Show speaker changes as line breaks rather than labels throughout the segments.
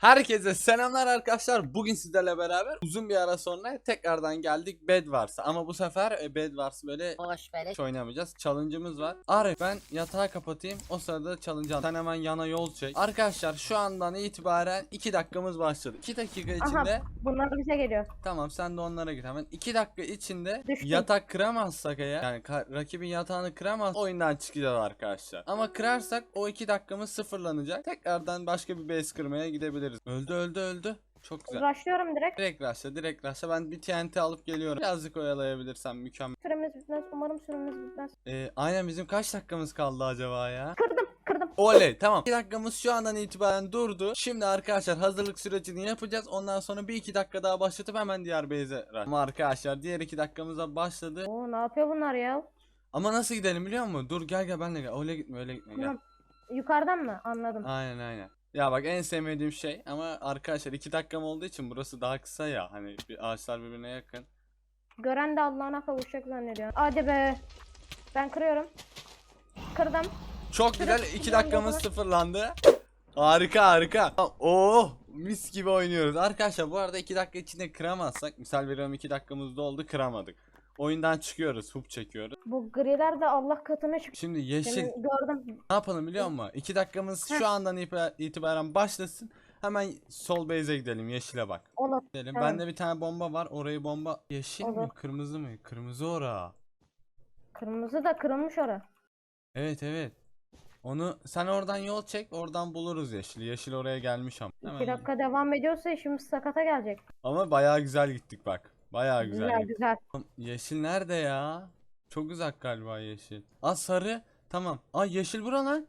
Herkese selamlar arkadaşlar. Bugün sizlerle beraber uzun bir ara sonra tekrardan geldik Bed Wars'a. Ama bu sefer Bed Wars böyle
Boş böyle.
hiç oynamayacağız. Challenge'ımız var. Arif ben yatağı kapatayım. O sırada challenge al. Sen hemen yana yol çek. Arkadaşlar şu andan itibaren 2 dakikamız başladı. 2 dakika içinde.
Aha, bunlar bize geliyor.
Tamam sen de onlara git hemen. 2 dakika içinde
Düştüm.
yatak kıramazsak eğer, yani rakibin yatağını kıramaz, oyundan çıkacağız arkadaşlar. Ama kırarsak o 2 dakikamız sıfırlanacak. Tekrardan başka bir base kırmaya gidebiliriz. Öldü. Çok güzel.
Rushlıyorum direkt.
Direkt rushla. Ben bir TNT alıp geliyorum. Birazcık oyalayabilirsem mükemmel.
Süremiz bitmez. Umarım süremiz bitmez.
Aynen, bizim kaç dakikamız kaldı acaba ya?
Kırdım.
Oley, tamam. 2 dakikamız şu andan itibaren durdu. Şimdi arkadaşlar hazırlık sürecini yapacağız. Ondan sonra bir 2 dakika daha başlatıp hemen diğer base'e rush. Ama arkadaşlar diğer 2 dakikamıza başladı.
Oo, ne yapıyor bunlar ya?
Ama nasıl gidelim biliyor musun? Dur gel benimle gel. Öyle gitme gel.
Tamam. Yukarıdan mı? Anladım.
Aynen. Ya bak, en sevmediğim şey, ama arkadaşlar 2 dakikam olduğu için burası daha kısa ya. Hani bir ağaçlar birbirine yakın.
Gören de Allah'ına kavuşacak zannediyor. Hadi be. Ben kırıyorum. Kırdım.
Çok güzel,
Süresi
2 dakikamız
sıfırlandı.
sıfırlandı. Harika. Oh, mis gibi oynuyoruz. Arkadaşlar bu arada 2 dakika içinde kıramazsak, misal veriyorum 2 dakikamız doldu, kıramadık. Oyundan çıkıyoruz, hub çekiyoruz.
Bu griler de Allah katına çıktı.
Şimdi yeşil
Seni gördüm.
ne yapalım biliyor musun? 2 dakikamız şu andan itibaren başlasın. Hemen sol base'e gidelim, yeşile bak.
Olur.
Gidelim.
Tamam.
Bende bir tane bomba var. Orayı bomba. Yeşil mi
Olur.
kırmızı mı? Kırmızı ora.
Kırmızı da kırılmış ora.
Evet. Onu sen oradan yol çek, oradan buluruz yeşili. Yeşil oraya gelmiş ama.
2 dakika devam ediyorsa işimiz sakata gelecek.
Ama bayağı güzel gittik bak. Bayağı güzel gittik.
Güzel.
Oğlum, yeşil nerede ya? Çok uzak galiba yeşil. Aa, sarı. Tamam. Aa, yeşil bura lan.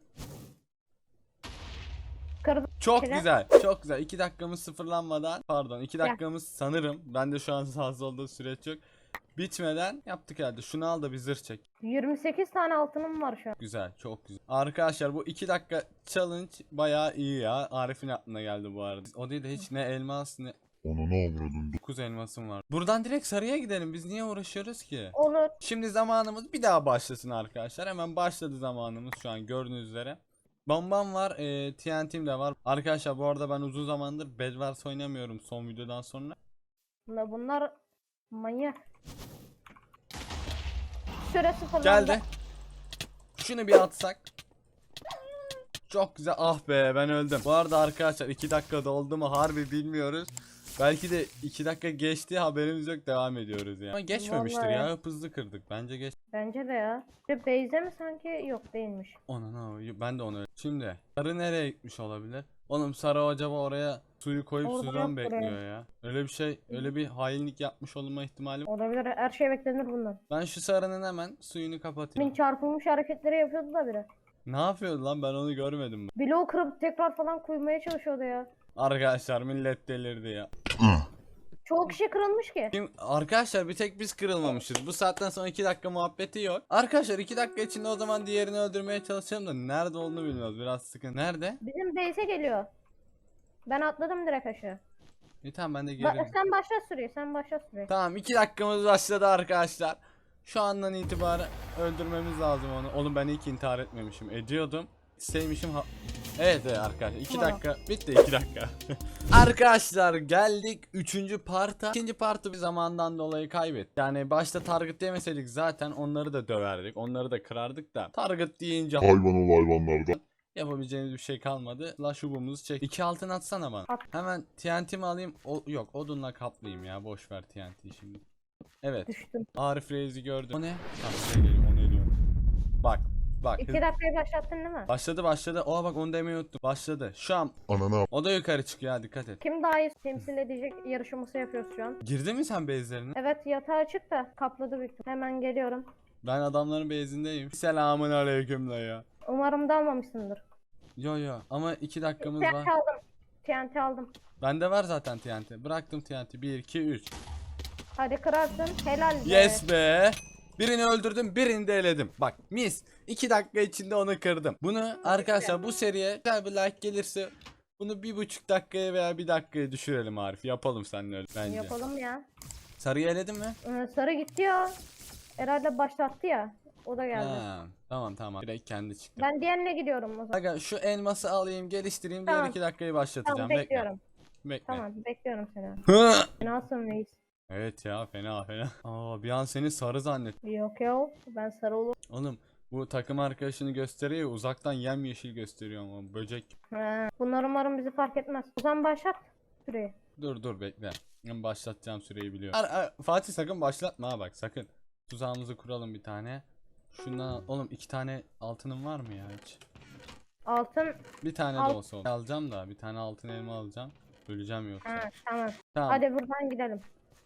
Kırdım.
Çok
Şöyle.
güzel. 2 dakikamız sıfırlanmadan, pardon, 2 dakikamız sanırım. Ben de şu an fazla olduğu süreç yok. Bitmeden yaptık herhalde. Şunu al da bir zırh çek.
28 tane altınım var şu an.
Güzel, çok güzel. Arkadaşlar bu 2 dakika challenge bayağı iyi ya. Arif'in aklına geldi bu arada. O değil de hiç ne elmas ne...
Onu ne avradın?
9 elmasım var. Buradan direkt sarıya gidelim. Biz niye uğraşıyoruz ki?
Olur.
Şimdi zamanımız bir daha başlasın arkadaşlar. Hemen başladı zamanımız şu an gördüğünüz üzere. Bombam var, TNT'm de var. Arkadaşlar bu arada ben uzun zamandır Bed Wars oynamıyorum son videodan sonra.
Bunlar manyak. Süre sıfırlandı.
Geldi. Şunu bir atsak. Çok güzel. Ah be, ben öldüm. Bu arada arkadaşlar 2 dakika doldu mu harbi bilmiyoruz. Belki de 2 dakika geçti, haberimiz yok, devam ediyoruz yani. Ama geçmemiştir
Vallahi.
ya, hızlı kırdık. Bence geç.
Bence de ya. Bir Beyze mi sanki? Yok değilmiş.
Ben de onu. Şimdi sarı nereye gitmiş olabilir? Oğlum sarı acaba oraya suyu koyup
Orada
sudan
yok
bekliyor
buraya.
ya. Öyle bir şey, öyle bir hainlik yapmış olma ihtimali.
Olabilir. Her şey beklenir bundan.
Ben şu sarının hemen suyunu kapatayım.
Min çarpılmış hareketleri yapıyordu da biri.
Ne yapıyordu lan, ben onu görmedim.
Bloğu kırıp tekrar falan koymaya çalışıyordu ya.
Arkadaşlar millet delirdi ya.
Çoğu kişi kırılmış ki.
Şimdi arkadaşlar bir tek biz kırılmamışız. Bu saatten sonra 2 dakika muhabbeti yok. Arkadaşlar 2 dakika içinde o zaman diğerini öldürmeye çalışalım da nerede olduğunu bilmiyoruz. Biraz sıkıntı. Nerede?
Bizim Beyze geliyor. Ben atladım direkt aşağı.
İyi tamam, ben de gelirim.
Sen başla sürüyor. Sen başla sürüyor.
Tamam, 2 dakikamız başladı arkadaşlar. Şu andan itibaren öldürmemiz lazım onu. Oğlum ben ilk intihar etmemişim. Ediyordum. Sevmişim Evet arkadaşlar 2
Tamam.
dakika bitti, 2 dakika. Arkadaşlar geldik 3. parta. 2. partı bir zamandan dolayı kaybettik. Yani başta target demeseydik zaten onları da döverdik. Onları da kırardık da. Target deyince
Hayvan ol hayvanlardan.
yapabileceğimiz bir şey kalmadı. La şubumuzu çek. 2 altın atsana bana.
At.
Hemen TNT'mi alayım. Yok, odunla kaplayayım ya. Boş ver TNT'yi şimdi. Evet.
Düştüm.
Arif Reis'i gördüm. O ne? Tamam, buraya geliyor. O ne diyor? Bak.
2 dakikayı başlattın değil mi?
Başladı. Oha bak, onu demeyi unuttum. Başladı. Şu an
Anana
o da yukarı çıkıyor ha, dikkat et.
Kim daha iyi temsil edecek yarışması yapıyoruz şu an.
Girdin mi sen base'lerine?
Evet yatağı açık da kapladı büyük ihtimal. Hemen geliyorum.
Ben adamların base'indeyim. Selamun aleyküm la ya.
Umarım da almamışsındır.
Yo ama 2 dakikamız
TNT
var.
aldım. TNT aldım.
Bende var zaten TNT. Bıraktım TNT. 1 2 3.
Hadi kırarsın. Helal be.
Yes be. Birini öldürdüm, birini de eledim. Bak mis. 2 dakika içinde onu kırdım. Bunu arkadaşlar bu seriye güzel bir like gelirse bunu 1,5 dakikaya veya 1 dakikaya düşürelim Arif. Yapalım seninle öyle bence.
Yapalım ya.
Sarıyı eledin mi?
Sarı gitti ya. Herhalde başlattı ya. O da geldi.
Ha, tamam. Direkt kendi çıktı.
Ben diğerine gidiyorum o zaman.
Aga şu elması alayım, geliştireyim. Diğer
Tamam.
2 dakikayı başlatacağım.
Tamam
Bekle.
bekliyorum.
Bekle.
Tamam bekliyorum seni.
Hı!
Nasılsın reis?
Evet ya, fena. Aa, bir an seni sarı zannet.
Yok ya ben sarı olurum.
Oğlum bu takım arkadaşını gösteriyor, uzaktan yemyeşil gösteriyor ama böcek.
He. Bunlar umarım bizi fark etmez. O zaman başlat süreyi.
Dur bekle. Ben başlatacağım, süreyi biliyorum. Fatih sakın başlatma ha, bak sakın. Tuzağımızı kuralım bir tane. Şundan oğlum 2 tane altınım var mı ya hiç?
Altın.
Bir tane de
Alt-
olsa olur. Alacağım da bir tane altın elma alacağım. Öleceğim yoksa.
Ha, tamam.
Tamam.
Hadi buradan gidelim.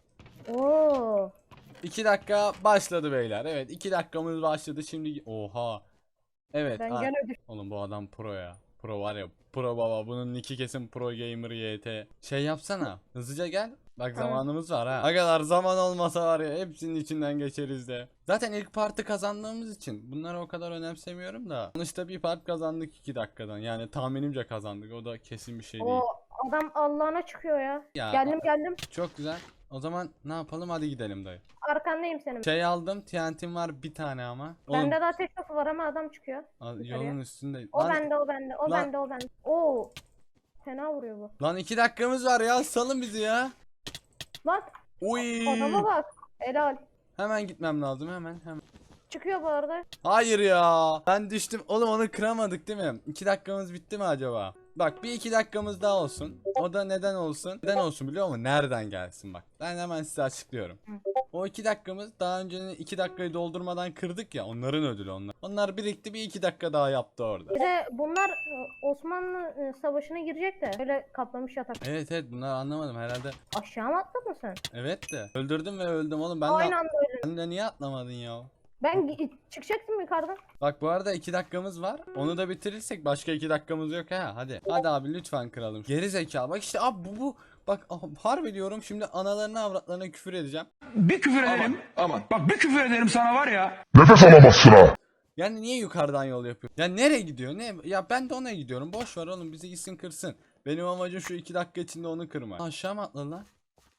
Oo.
2 dakika başladı beyler. Evet 2 dakikamız başladı şimdi. Oha. Evet.
Ben gene düş.
Oğlum bu adam pro ya. Pro var ya. Pro baba. Bunun nicki kesin pro gamer YT. Şey yapsana. Hızlıca gel. Bak
Tamam.
zamanımız var ha. Agalar zaman olmasa var ya hepsinin içinden geçeriz de. Zaten ilk partı kazandığımız için bunları o kadar önemsemiyorum da. Sonuçta bir part kazandık 2 dakikadan. Yani tahminimce kazandık. O da kesin bir şey değil.
O adam Allah'ına çıkıyor ya.
Ya,
Geldim.
Çok güzel. O zaman ne yapalım, hadi gidelim dayı.
Arkandayım senin.
Şey aldım, TNT'm var bir tane ama. Oğlum,
Bende de ateş topu var ama adam çıkıyor.
yolun üstünde.
O bende. O
Lan-
bende. O bende. Oo. Fena vuruyor bu.
Lan 2 dakikamız var ya, salın bizi ya.
Bak
Uy.
adama bak. Helal.
Hemen gitmem lazım, hemen.
Çıkıyor bu arada.
Hayır ya. Ben düştüm. Oğlum onu kıramadık değil mi? 2 dakikamız bitti mi acaba? Bak bir 2 dakikamız daha olsun. O da neden olsun? Neden olsun biliyor musun? Nereden gelsin bak. Ben hemen size açıklıyorum. O 2 dakikamız daha öncenin 2 dakikayı doldurmadan kırdık ya. Onların ödülü onlar. Onlar birikti, bir 2 dakika daha yaptı orada.
Bir de bunlar Osmanlı savaşına girecek de. Böyle kaplamış yatak.
Evet bunları anlamadım herhalde.
Aşağı mı atladın sen?
Evet de. Öldürdüm ve öldüm oğlum. Ben
Aynı
de,
anda öyle.
sen de niye atlamadın ya?
Ben çıkacaktım yukarıdan.
Bak bu arada 2 dakikamız var. Onu da bitirirsek başka 2 dakikamız yok ha. Hadi. Hadi abi lütfen kıralım. Geri zeka. Bak işte abi bu. Bak harbi diyorum, şimdi analarına avratlarına küfür edeceğim.
Bir küfür ederim. Aman. Bak bir küfür ederim sana var ya.
Nefes alamazsın ha.
Yani niye yukarıdan yol yapıyor? Ya nereye gidiyor? Ne? Ya ben de ona gidiyorum. Boş ver oğlum, bizi gitsin kırsın. Benim amacım şu 2 dakika içinde onu kırmak. Aşağı mı atladı lan?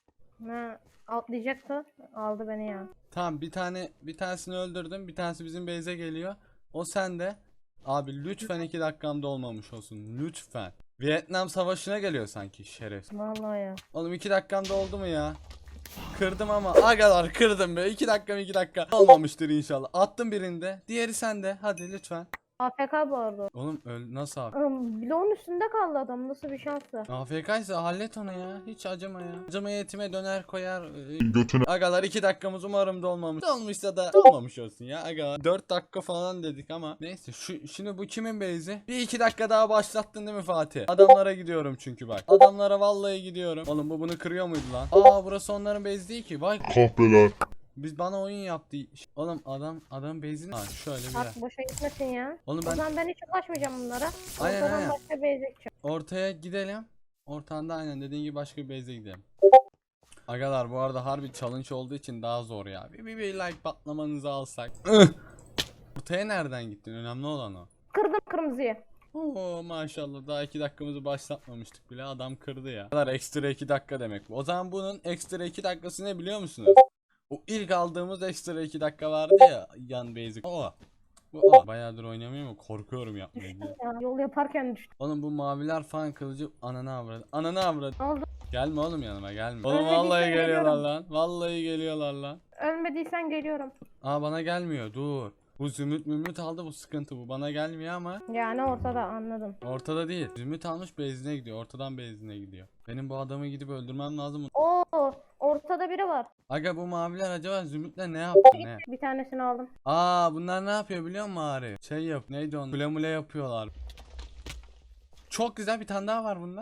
Ha, atlayacaktı. Aldı beni ya.
Tamam, bir tanesini öldürdüm. Bir tanesi bizim base'e geliyor. O sende. Abi lütfen 2 dakikamda olmamış olsun. Lütfen. Vietnam savaşına geliyor sanki şeref.
Vallahi ya.
Oğlum 2 dakikamda oldu mu ya? Kırdım ama agalar kırdım be. 2 dakika olmamıştır inşallah. Attım birinde. Diğeri sende. Hadi lütfen.
AFK bu arada.
Oğlum nasıl abi?
Bloğun üstünde kaldı adam. Nasıl bir şansı?
AFK ise hallet onu ya. Hiç acıma ya. Acıma yetime döner koyar.
Götüne
Agalar 2 dakikamız umarım dolmamış. Dolmuşsa da olmamış olsun ya. Agalar 4 dakika falan dedik ama. Neyse şimdi bu kimin base'i? Bir 2 dakika daha başlattın değil mi Fatih? Adamlara gidiyorum çünkü bak. Adamlara vallahi gidiyorum. Oğlum bu bunu kırıyor muydu lan? Aa burası onların base değil ki. Vay.
kahpeler.
Biz bana oyun yaptı. Oğlum adam base'ini. Ha şöyle bir yer.
Bak boşa gitmesin ya.
Oğlum
O
ben
zaman ben hiç ulaşmayacağım bunlara.
Aynen,
Ortadan
aynen.
başka bir gideceğim.
ortaya gidelim. Ortanda aynen dediğin gibi başka bir base'e gidelim. Agalar bu arada harbi challenge olduğu için daha zor ya. Bir like patlamanızı alsak. Ortaya nereden gittin? Önemli olan o.
Kırdım kırmızıyı.
Oo maşallah, daha 2 dakikamızı başlatmamıştık bile, adam kırdı ya. Kadar ekstra 2 dakika demek bu. O zaman bunun ekstra 2 dakikası ne biliyor musunuz? O ilk aldığımız ekstra 2 dakika vardı ya yan basic. Bu bayağıdır oynamıyorum ama korkuyorum yapmaya.
Ya, yol yaparken düştüm.
Oğlum bu maviler falan kılıcı ananı avradı. Ananı avradı.
Ne oldu?
Gelme oğlum yanıma gelme. Oğlum
Ölmediysen
vallahi geliyorlar
geliyorum.
lan. Vallahi geliyorlar lan.
Ölmediysen geliyorum.
Aa bana gelmiyor, dur. Bu zümrüt aldı, bu sıkıntı, bu bana gelmiyor ama.
Yani ortada anladım.
Ortada değil. Zümrüt almış base'ine gidiyor. Ortadan base'ine gidiyor. Benim bu adamı gidip öldürmem lazım.
Oo, ortada biri var.
Aga bu maviler acaba zümrütle ne yaptı ne?
Bir tanesini aldım.
Aa bunlar ne yapıyor biliyor musun Ari? Şey yap. Neydi onu? Mule yapıyorlar. Çok güzel, bir tane daha var bunda.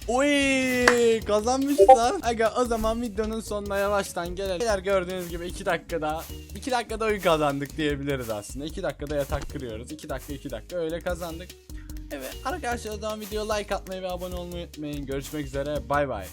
Oy kazanmışız lan. Aga o zaman videonun sonuna yavaştan gelelim. Beyler gördüğünüz gibi 2 dakikada oyun kazandık diyebiliriz aslında. 2 dakikada yatak kırıyoruz. 2 dakika öyle kazandık. Evet arkadaşlar, o zaman videoya like atmayı ve abone olmayı unutmayın. Görüşmek üzere, bay bay.